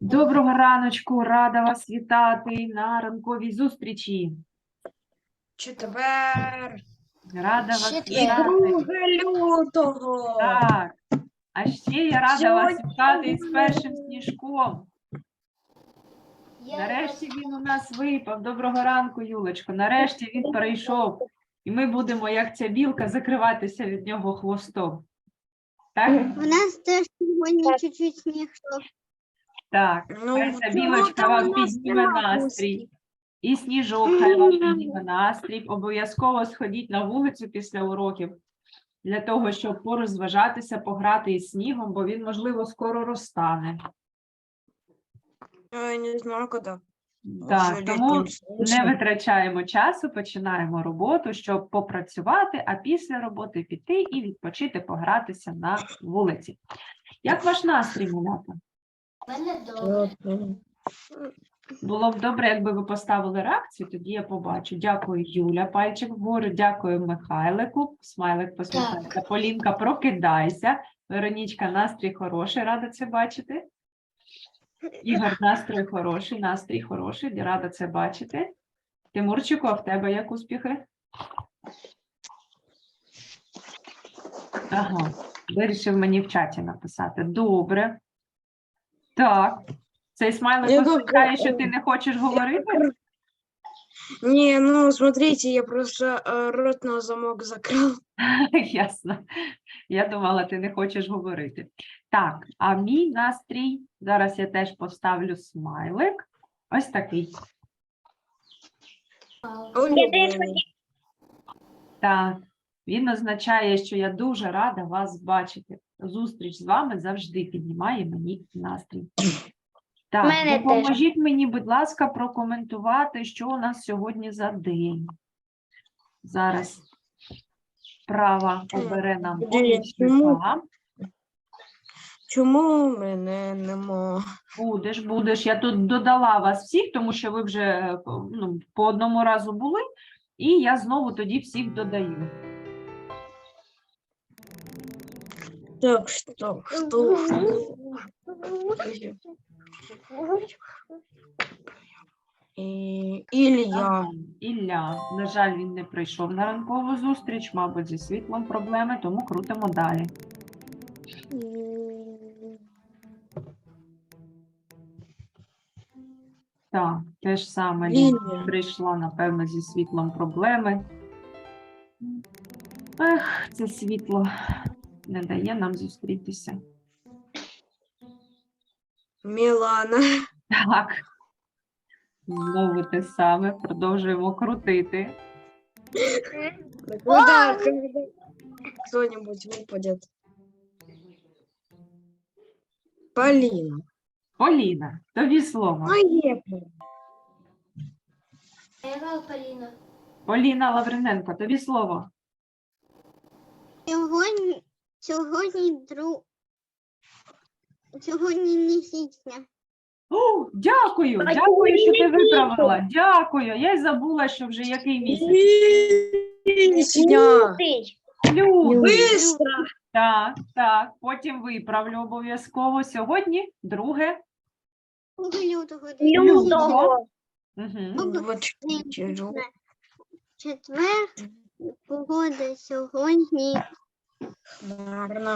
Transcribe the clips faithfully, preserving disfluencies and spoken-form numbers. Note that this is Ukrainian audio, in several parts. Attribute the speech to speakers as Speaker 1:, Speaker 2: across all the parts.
Speaker 1: Доброго раночку, рада вас вітати на ранковій зустрічі.
Speaker 2: Четвер.
Speaker 1: Рада вас
Speaker 2: І
Speaker 1: вітати.
Speaker 2: друге лютого.
Speaker 1: Так, а ще я рада вас
Speaker 2: Сьогодні
Speaker 1: вітати із першим сніжком. Нарешті він у нас випав. Доброго ранку, Юлечко. Нарешті він перейшов. І ми будемо, як ця білка, закриватися від нього хвостом. Так?
Speaker 3: У нас теж сьогодні чуть-чуть сніг йшов.
Speaker 1: Так,
Speaker 2: Ну,
Speaker 1: хай ця
Speaker 2: чому
Speaker 1: білочка
Speaker 2: там
Speaker 1: вам
Speaker 2: у нас
Speaker 1: підніме
Speaker 2: нема
Speaker 1: настрій. І сніжок хай вам підніме настрій. Обов'язково сходіть на вулицю після уроків для того, щоб порозважатися, пограти із снігом, бо він, можливо, скоро розтане.
Speaker 2: Я не знаю, коли.
Speaker 1: Так,
Speaker 2: Вже
Speaker 1: тому
Speaker 2: літнім сонцем.
Speaker 1: не витрачаємо часу, починаємо роботу, щоб попрацювати, а після роботи піти і відпочити, погратися на вулиці. Як ваш настрій, малята? Було б добре, якби ви поставили реакцію, тоді я побачу. Дякую, Юля, пальчик вгору, дякую Михайлику, смайлик посміхається. Полінка, прокидайся. Веронічка, настрій хороший, рада це бачити. Ігор, настрій хороший, настрій хороший, рада це бачити. Тимурчику, а в тебе як успіхи? Ага, вирішив мені в чаті написати. Добре. Так. Цей смайлик
Speaker 2: Я
Speaker 1: означає,
Speaker 2: думаю,
Speaker 1: що ти не хочеш говорити?
Speaker 2: Не, ну, смотрите, я просто э, рот на замок закрыл.
Speaker 1: Ясно. Я думала, ти не хочеш говорити. Так, а мій настрій, зараз я теж поставлю смайлик. Ось такий. Так, він означає, що я дуже рада вас бачити. Зустріч з вами завжди піднімає мені настрій. Так,
Speaker 3: Мене
Speaker 1: допоможіть мені, будь ласка, прокоментувати, що у нас сьогодні за день. Зараз права обере нам помічника.
Speaker 2: Чому мене нема?
Speaker 1: Будеш, будеш. Я тут додала вас всіх, тому що ви вже е, по- ну, по одному разу були, і я знову тоді всіх додаю.
Speaker 2: Так, что, что, что? І, Ілля.
Speaker 1: Ага, Ілля, на жаль, він не прийшов на ранкову зустріч, мабуть, зі світлом проблеми, тому крутимо далі. Так, те ж саме Лілія
Speaker 2: Лілія.
Speaker 1: прийшла, напевно, зі світлом проблеми. Ех, це світло не дає нам зустрітися.
Speaker 2: Мілана.
Speaker 1: Так, знову те саме, продовжуємо крутити.
Speaker 2: Когда, когда кто-нибудь выпадет? Полина.
Speaker 1: Поліна, тобі слово.
Speaker 2: Поехали.
Speaker 3: Поліна.
Speaker 1: Поліна Лавриненко, тобі слово.
Speaker 3: Сьогодні, сьогодні, дру... сьогодні не січня.
Speaker 1: О, дякую, дякую, що ти виправила. Дякую. Я й забула, що вже який місяць.
Speaker 2: Сня.
Speaker 1: Лютий.
Speaker 2: Быстро.
Speaker 1: Так, так, потім виправлю обов'язково. Сьогодні друге
Speaker 3: Лютого.
Speaker 1: лютого. Угу.
Speaker 2: двадцать четыре.
Speaker 3: Четвер. Погода сьогодні.
Speaker 2: Гарно.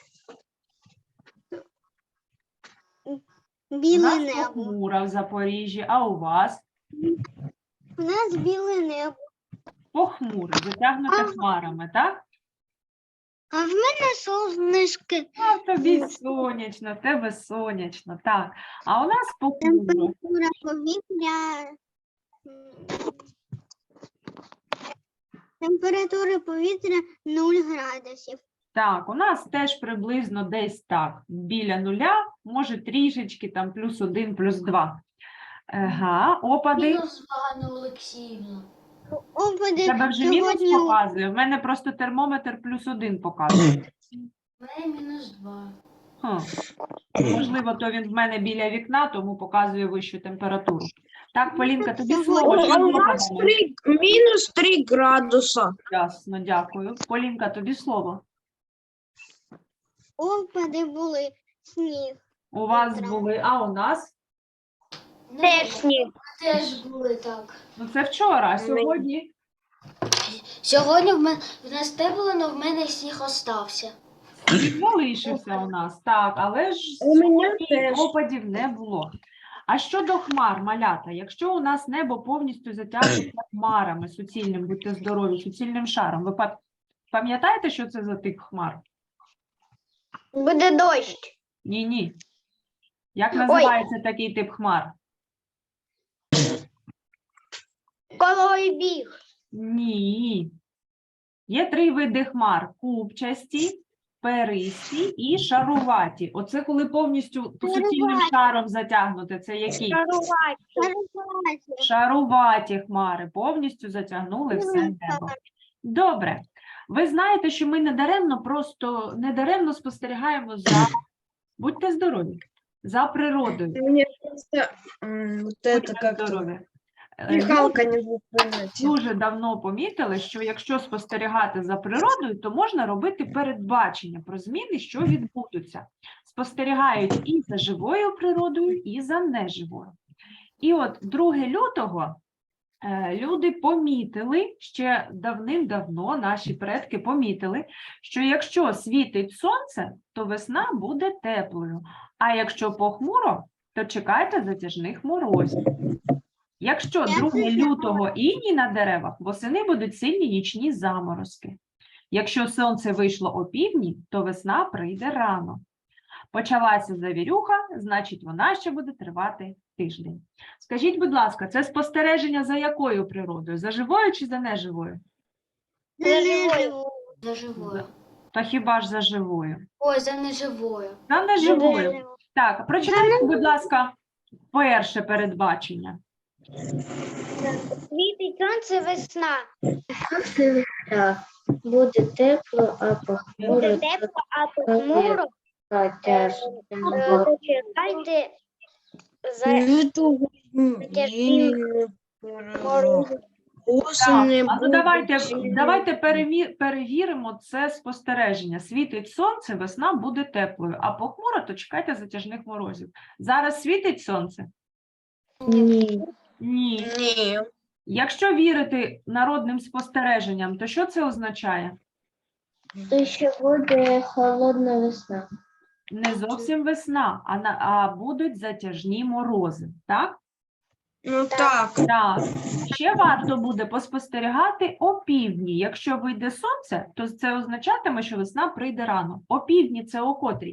Speaker 1: У
Speaker 3: Біле
Speaker 1: нас
Speaker 3: небо.
Speaker 1: похмуро в Запоріжжі, а у вас?
Speaker 3: У нас біле небо.
Speaker 1: Похмуро, затягнуте хмарами, так?
Speaker 3: А в мене сонечки.
Speaker 1: А тобі сонячно, в тебе сонячно, так. А у нас похмуро.
Speaker 3: Температура повітря. м, Температура повітря нуль градусів.
Speaker 1: Так, у нас теж приблизно десь так, біля нуля, може трішечки, там плюс один, плюс два. Ага, опади.
Speaker 4: Мінус Ганна Олексіївна.
Speaker 3: Опади
Speaker 1: Тебе вже мінус
Speaker 3: сьогодні
Speaker 1: показує? В мене просто термометр плюс один показує.
Speaker 4: У мене мінус два.
Speaker 1: Хм. Можливо, то він в мене біля вікна, тому показує вищу температуру. Так, Полінка, тобі слово.
Speaker 2: А
Speaker 1: Що
Speaker 2: у
Speaker 1: з
Speaker 2: нас
Speaker 1: опадами?
Speaker 2: три, минус три градуса.
Speaker 1: Ясно, дякую. Полінка, тобі слово.
Speaker 3: опади були сніг.
Speaker 1: У вас
Speaker 3: Утро.
Speaker 1: були, а у нас?
Speaker 4: Ну,
Speaker 2: Теж ні.
Speaker 4: теж були так.
Speaker 1: Ну це вчора, а сьогодні?
Speaker 4: Сьогодні в мене в нас те було, але в мене сніг остався.
Speaker 1: Сніг залишився у нас, так, але ж
Speaker 2: У мене
Speaker 1: сьогодні
Speaker 2: теж.
Speaker 1: опадів не було. А щодо хмар, малята, якщо у нас небо повністю затягнуте хмарами суцільним, будьте здорові, суцільним шаром, ви па- пам'ятаєте, що це за тип хмар?
Speaker 3: Буде дощ.
Speaker 1: Ні-ні. Як називається такий тип хмар?
Speaker 3: Колой біг.
Speaker 1: Ні. Є три види хмар: купчасті, перисті і шаруваті. Оце коли повністю суцільним
Speaker 3: Шаруваті.
Speaker 1: шаром затягнуте. Це які?
Speaker 3: Шарувати.
Speaker 1: Шаруваті хмари повністю затягнули все небо. Добре. Ви знаєте, що ми недаремно просто недаремно спостерігаємо за, будьте здорові, за природою.
Speaker 2: Мне просто м, вот это
Speaker 1: Будьте
Speaker 2: как-то
Speaker 1: здорові. Е,
Speaker 2: дыхалка не будет понять.
Speaker 1: Дуже давно помітили, що якщо спостерігати за природою, то можна робити передбачення про зміни, що відбудуться. Спостерігають і за живою природою, і за неживою. І от другого лютого е, люди помітили, ще давним-давно наші предки помітили, що якщо світить сонце, то весна буде теплою, а якщо похмуро, то чекайте затяжних морозів. Якщо другого лютого іній на деревах, восени будуть сильні нічні заморозки. Якщо сонце вийшло опівдні, то весна прийде рано. Почалася завірюха, значить вона ще буде тривати тиждень. Скажіть, будь ласка, це спостереження за якою природою? За живою чи за неживою?
Speaker 4: За живою.
Speaker 1: Та хіба ж за живою?
Speaker 4: Ой, за неживою.
Speaker 1: За неживою. Так, прочитайте, будь ласка, перше передбачення.
Speaker 3: Світить сонце, весна.
Speaker 5: Буде тепло, а похмуро
Speaker 3: Буде тепло, а похмуро.
Speaker 5: тяжко.
Speaker 3: Е, Чекайте за
Speaker 2: Нету, м,
Speaker 3: Затяжные
Speaker 2: и,
Speaker 3: морози.
Speaker 2: осени
Speaker 1: А ну
Speaker 2: будуть
Speaker 1: давайте,
Speaker 2: сильні.
Speaker 1: давайте переві- перевіримо це спостереження. Світить сонце, весна буде теплою, а похмуро, то чекайте затяжних морозів. Зараз світить сонце?
Speaker 5: Ні.
Speaker 1: Ні.
Speaker 2: Ні.
Speaker 1: Якщо вірити народним спостереженням, то що це означає?
Speaker 5: То ще буде холодна весна.
Speaker 1: Не зовсім весна, а, на, а будуть затяжні морози, так?
Speaker 2: Ну так.
Speaker 1: Так. Ще варто буде поспостерігати опівдні. Якщо вийде сонце, то це означатиме, що весна прийде рано. Опівдні – це о котрій?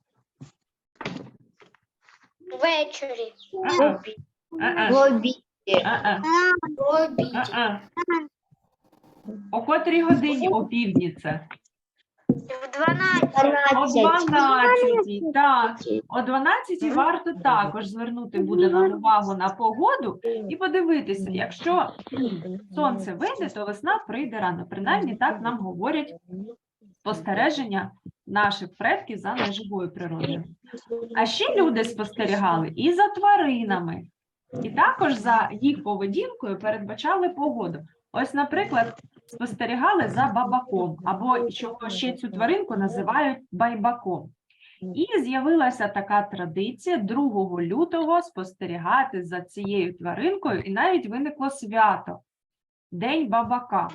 Speaker 3: Ввечері.
Speaker 1: А-а. А-а.
Speaker 5: В обіді.
Speaker 1: А-а.
Speaker 4: В обіді.
Speaker 1: А-а. О котрій годині опівдні це?
Speaker 3: В дванадцять.
Speaker 1: О дванадцятій, так. О дванадцятій варто також звернути буде нам увагу на погоду і подивитися, якщо сонце вийде, то весна прийде рано. Принаймні так нам говорять спостереження наших предків за неживою природою. А ще люди спостерігали і за тваринами, і також за їх поведінкою передбачали погоду. Ось, наприклад, спостерігали за бабаком, або чого ще цю тваринку називають байбаком. І з'явилася така традиція другого лютого спостерігати за цією тваринкою, і навіть виникло свято – День бабака.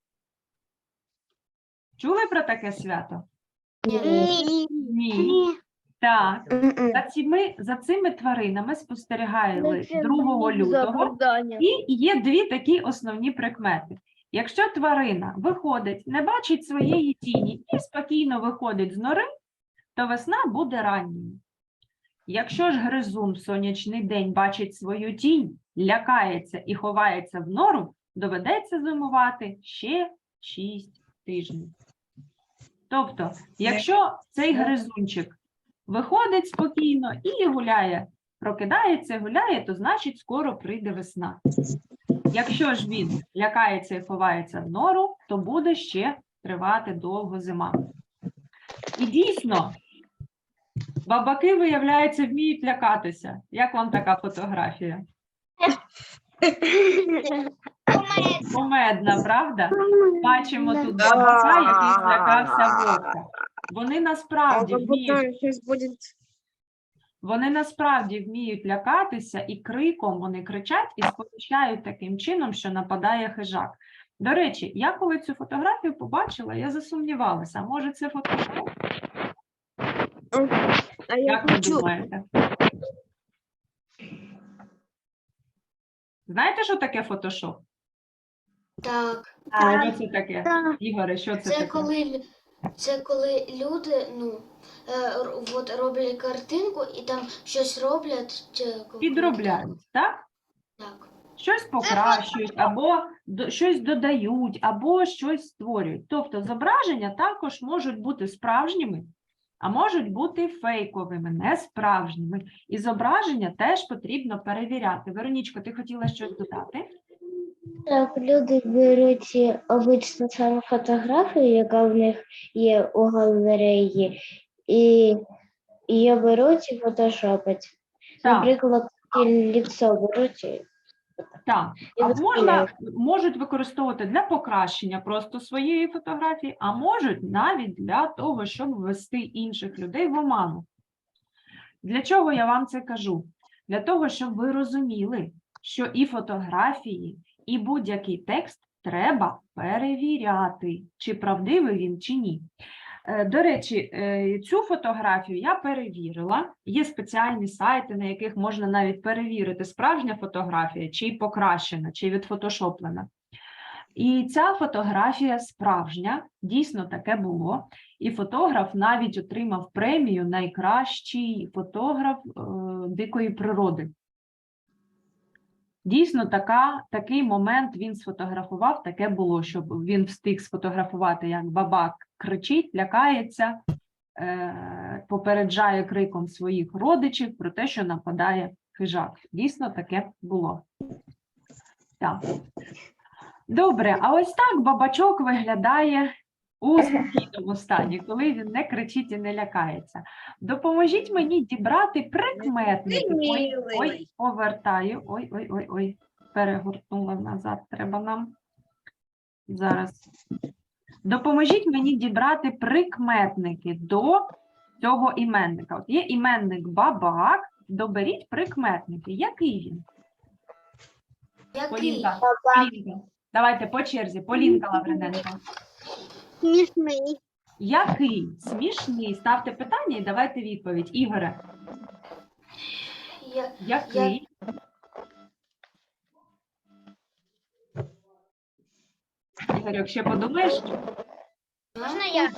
Speaker 1: Чули про таке свято?
Speaker 3: Ні.
Speaker 1: Ні. Так.
Speaker 2: М-м.
Speaker 1: За цими, за цими тваринами спостерігали другого лютого. І є дві такі основні прикмети. Якщо тварина виходить, не бачить своєї тіні і спокійно виходить з нори, то весна буде ранньою. Якщо ж гризун в сонячний день бачить свою тінь, лякається і ховається в нору, доведеться зимувати ще шість тижнів. Тобто, якщо цей гризунчик виходить спокійно і гуляє, прокидається, гуляє, то значить скоро прийде весна. Якщо ж він лякається і ховається в нору, то буде ще тривати довго зима. І дійсно, бабаки, виявляється, вміють лякатися. Як вам така фотографія? Кумедна, правда? Бачимо тут бабака, який злякався вовка. Вони
Speaker 2: А
Speaker 1: насправді вміють
Speaker 2: сейчас будет
Speaker 1: Вони насправді вміють лякатися і криком вони кричать і сповіщають таким чином, що нападає хижак. До речі, я коли цю фотографію побачила, я засумнівалася, а може це фотошоп?
Speaker 2: А я
Speaker 1: Як ви
Speaker 2: хочу.
Speaker 1: думаєте? Знаєте, що таке фотошоп?
Speaker 4: Так.
Speaker 1: Що це таке? Ігоре, що це,
Speaker 4: Це
Speaker 1: таке?
Speaker 4: коли, лю- це коли люди ну, е, р- от роблять картинку і там щось роблять. чи-
Speaker 1: Підробляють, так?
Speaker 4: Так.
Speaker 1: Щось покращують, або до- щось додають, або щось створюють. Тобто зображення також можуть бути справжніми, а можуть бути фейковими, несправжніми. І зображення теж потрібно перевіряти. Веронічко, ти хотіла щось додати?
Speaker 5: Так, люди беруть е, обичну саму фотографію, яка в них є у галереї, і її беруть і фотошопять.
Speaker 1: Так.
Speaker 5: Наприклад, ліцо беруть і
Speaker 1: Так,
Speaker 5: І
Speaker 1: а можна,
Speaker 5: виставляють.
Speaker 1: можуть використовувати для покращення просто своєї фотографії, а можуть навіть для того, щоб ввести інших людей в оману. Для чого я вам це кажу? Для того, щоб ви розуміли, що і фотографії, і будь-який текст треба перевіряти, чи правдивий він, чи ні. Е, До речі, е, цю фотографію я перевірила. Є спеціальні сайти, на яких можна навіть перевірити, справжня фотографія, чи покращена, чи відфотошоплена. І ця фотографія справжня, дійсно таке було. І фотограф навіть отримав премію «Найкращий фотограф е, дикої природи». Дійсно, така, такий момент він сфотографував, таке було, щоб він встиг сфотографувати, як бабак кричить, лякається, е, попереджає криком своїх родичів про те, що нападає хижак. Дійсно, таке було. Так. Добре, а ось так бабачок виглядає у спокійному стані, коли він не кричить і не лякається. Допоможіть мені дібрати прикметники. Ой, ой, повертаю. Ой, ой, ой, ой. Перегорнула назад. Треба нам. Зараз. Допоможіть мені дібрати прикметники до цього іменника. От є іменник бабак. Доберіть прикметники. Який він?
Speaker 4: Який?
Speaker 1: Полінка. Полінка. Давайте по черзі. Полінка Лавриненко.
Speaker 3: Смішний.
Speaker 1: Який? Смішний. Ставте питання і давайте відповідь. Ігоре,
Speaker 4: Я,
Speaker 1: який? Ігорьок, ще подумаєш?
Speaker 3: Можна я?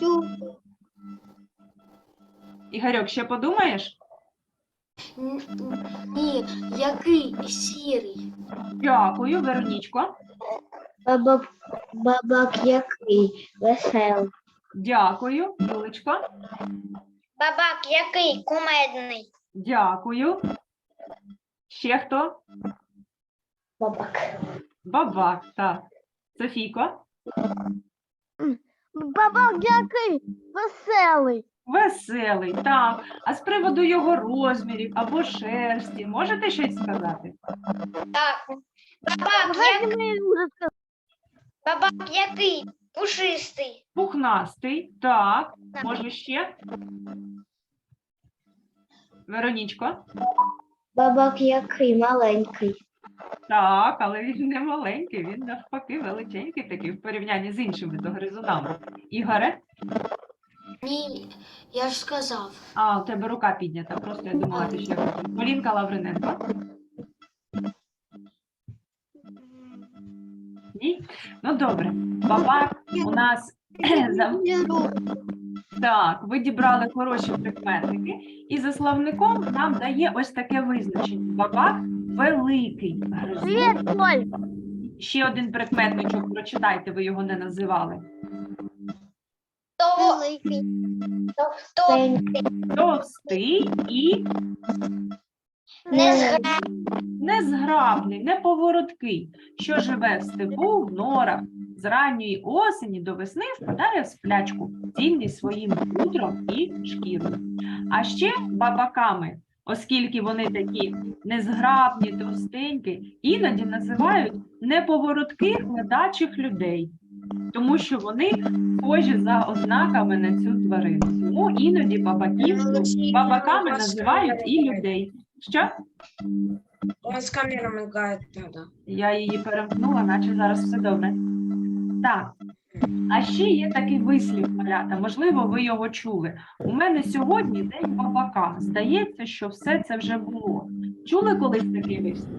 Speaker 1: Ігорьок, ще подумаєш?
Speaker 4: н- ні, який сірий?
Speaker 1: Дякую, Веронічко.
Speaker 5: бабак, бабак який веселий.
Speaker 1: Дякую, Юлечко.
Speaker 3: Бабак який? Кумедний.
Speaker 1: Дякую. Ще хто?
Speaker 5: Бабак.
Speaker 1: Бабак, так. Софійко?
Speaker 3: Бабак який? Веселий.
Speaker 1: Веселий, так. А з приводу його розмірів або шерсті, можете щось сказати?
Speaker 3: Так. Бабак який? Бабак який? Пушистий.
Speaker 1: Пухнастий, так. Може ще? Веронічко?
Speaker 5: Бабак який маленький.
Speaker 1: Так, але він не маленький, він навпаки величенький такий в порівнянні з іншими догризунами. Ігоре?
Speaker 4: Ні, я ж сказав.
Speaker 1: А, у тебе рука піднята, просто я думала, ти ще хотів. Полінка Лавриненко? Ні? Ну, добре. Бабак у нас... за- Так, ви дібрали хороші прикметники. І за словником нам дає ось таке визначення. Бабак великий гризун. Ще один прикметничок прочитайте, ви його не називали.
Speaker 3: То великий.
Speaker 5: Товстенький.
Speaker 1: Товстий і
Speaker 3: Не зграє.
Speaker 1: незграбний, неповороткий, що живе в степу, в норах, з ранньої осені до весни впадає в сплячку, цінний своїм хутром і шкірою. А ще бабаками, оскільки вони такі незграбні, товстенькі, іноді називають неповоротких ледачих людей. тому що вони схожі за ознаками на цю тварину. Тому іноді бабаків бабаками називають і людей. Що?
Speaker 2: У вас камера мигает тогда.
Speaker 1: Я її перемкнула, наче зараз все добре. Так. А ще є такий вислів, малята, можливо, ви його чули. У мене сьогодні день бабака. Здається, що все це вже було. Чули колись такий вислів?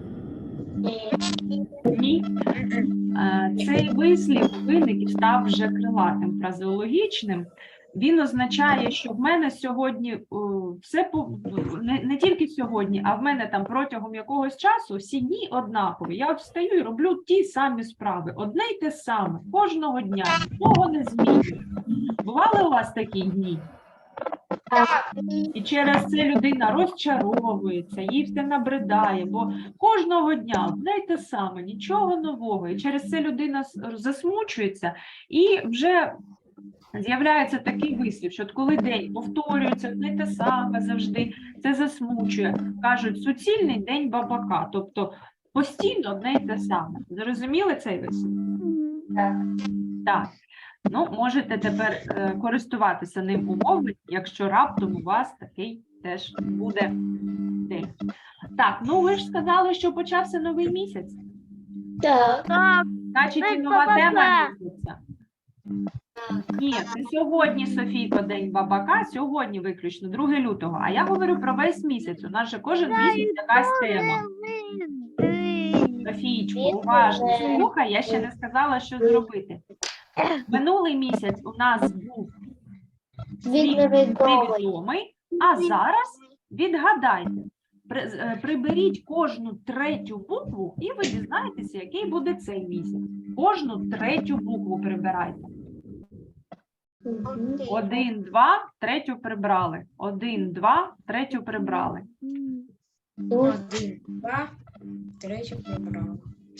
Speaker 1: Ні. Е, Цей вислів виник і став вже крилатим, фразеологічним. Він означає, що в мене сьогодні о, все по- не, не тільки сьогодні, а в мене там протягом якогось часу всі дні однакові. Я встаю і роблю ті самі справи, одне й те саме, кожного дня, нічого не змінюється. Бували у вас такі дні?
Speaker 3: Так.
Speaker 1: І через це людина розчаровується, їй все набридає, бо кожного дня одне й те саме, нічого нового. І через це людина с- засмучується і вже з'являється такий вислів, що от коли день повторюється одне й те саме завжди, це засмучує. Кажуть, суцільний день бабака, тобто постійно одне й те саме. Зрозуміли цей вислів?
Speaker 5: Так.
Speaker 1: Так. Ну, можете тепер е, користуватися ним у мовленні, якщо раптом у вас такий теж буде день. Так, ну ви ж сказали, що почався новий місяць.
Speaker 5: Так.
Speaker 1: Значить, і
Speaker 3: День
Speaker 1: нова
Speaker 3: бабака.
Speaker 1: тема місяця. Ні, це сьогодні, Софійко, день бабака, сьогодні виключно, другого лютого. А я говорю про весь місяць. У нас же кожен місяць якась тема. Софійчко, уважно слухай, я ще не сказала, що зробити. Минулий місяць у нас був
Speaker 5: Він
Speaker 1: світ
Speaker 5: невідомий.
Speaker 1: невідомий, а зараз відгадайте. При- з- е, Приберіть кожну третю букву, і ви дізнаєтеся, який буде цей місяць. Кожну третю букву прибирайте. Один, два, третю прибрали. Один, два, третю прибрали.
Speaker 2: Один, два, третю прибрала.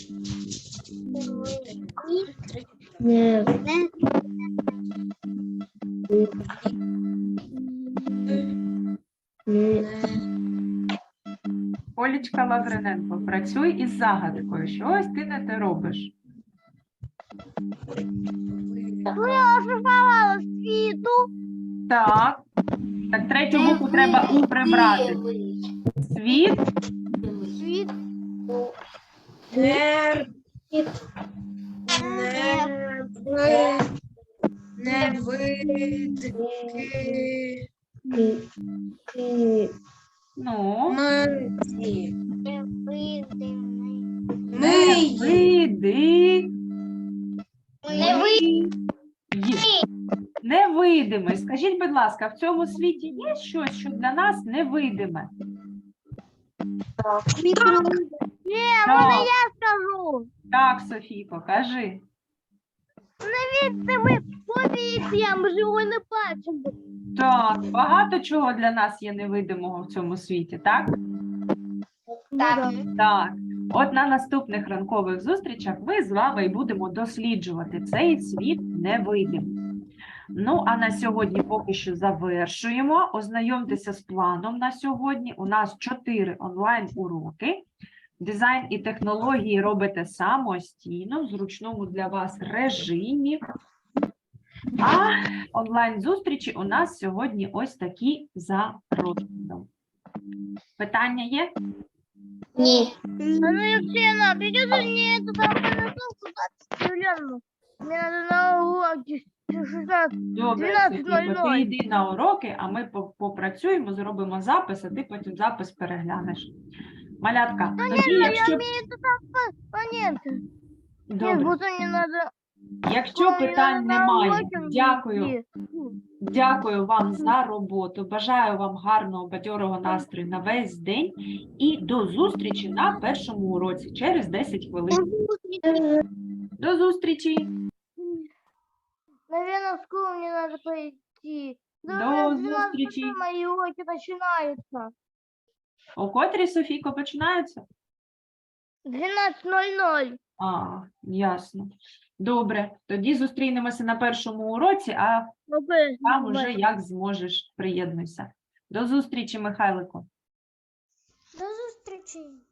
Speaker 2: Третю
Speaker 5: Не. Не.
Speaker 1: Олічка Лавриненко, працюй із загадкою. Щось ти не те робиш.
Speaker 3: Ошифровала світу.
Speaker 1: Так. Так, третю букву треба у прибрати. Світ.
Speaker 3: Світ.
Speaker 2: Не, не, ви, не вид, ки,
Speaker 5: Ки. Ки.
Speaker 1: Ну,
Speaker 2: миті.
Speaker 3: Невидимий.
Speaker 2: Ми
Speaker 1: види.
Speaker 3: Невидимий.
Speaker 1: Й. Невидимий. Скажіть, будь ласка, в цьому світі є щось, що для нас невидиме?
Speaker 3: Ні,
Speaker 1: Так,
Speaker 3: можна я скажу.
Speaker 1: так, Софійко, кажи.
Speaker 3: Невидимий повітря, ми ж його не бачимо.
Speaker 1: Так, багато чого для нас є невидимого в цьому світі, так?
Speaker 3: Так.
Speaker 1: Так. От на наступних ранкових зустрічах ми з вами і будемо досліджувати цей світ невидимий. Ну, а на сьогодні поки що завершуємо. Ознайомтеся з планом на сьогодні. У нас чотири онлайн-уроки. Дизайн і технології робите самостійно, в зручному для вас режимі. А онлайн-зустрічі у нас сьогодні ось такі за розкладом. Питання є?
Speaker 5: Ні.
Speaker 3: А ну, Евгения, придется мне эту там подготовку двадцать Юлиану. Мне надо на уроки шестнадцать.
Speaker 1: Добре,
Speaker 3: дванадцять нуль
Speaker 1: Софійко,
Speaker 3: нуль.
Speaker 1: ти йди на уроки, а ми по- попрацюємо, зробимо запис, а ти потім запис переглянеш. Малятка, тоді,
Speaker 3: Я
Speaker 1: якщо...
Speaker 3: умею это там понять. Нет,
Speaker 1: Добре.
Speaker 3: будто не надо.
Speaker 1: Якщо
Speaker 3: Ой,
Speaker 1: питань
Speaker 3: на
Speaker 1: немає,
Speaker 3: уроки
Speaker 1: дякую.
Speaker 3: идти.
Speaker 1: Дякую вам за роботу. Бажаю вам гарного, бадьорого настрою на весь день. І до зустрічі на першому уроці через десять хвилин. До зустрічі.
Speaker 3: Наверное, в школу мне надо пойти.
Speaker 1: До
Speaker 3: Наверное, в двенадцать
Speaker 1: зустрічі.
Speaker 3: часов мои уроки начинаются.
Speaker 1: О котрій, Софійко, починаються?
Speaker 3: двенадцать ноль ноль.
Speaker 1: А, ясно. Добре. Тоді зустрінемося на першому уроці, а там уже як зможеш приєднуйся. До зустрічі, Михайлику.
Speaker 3: До зустрічі.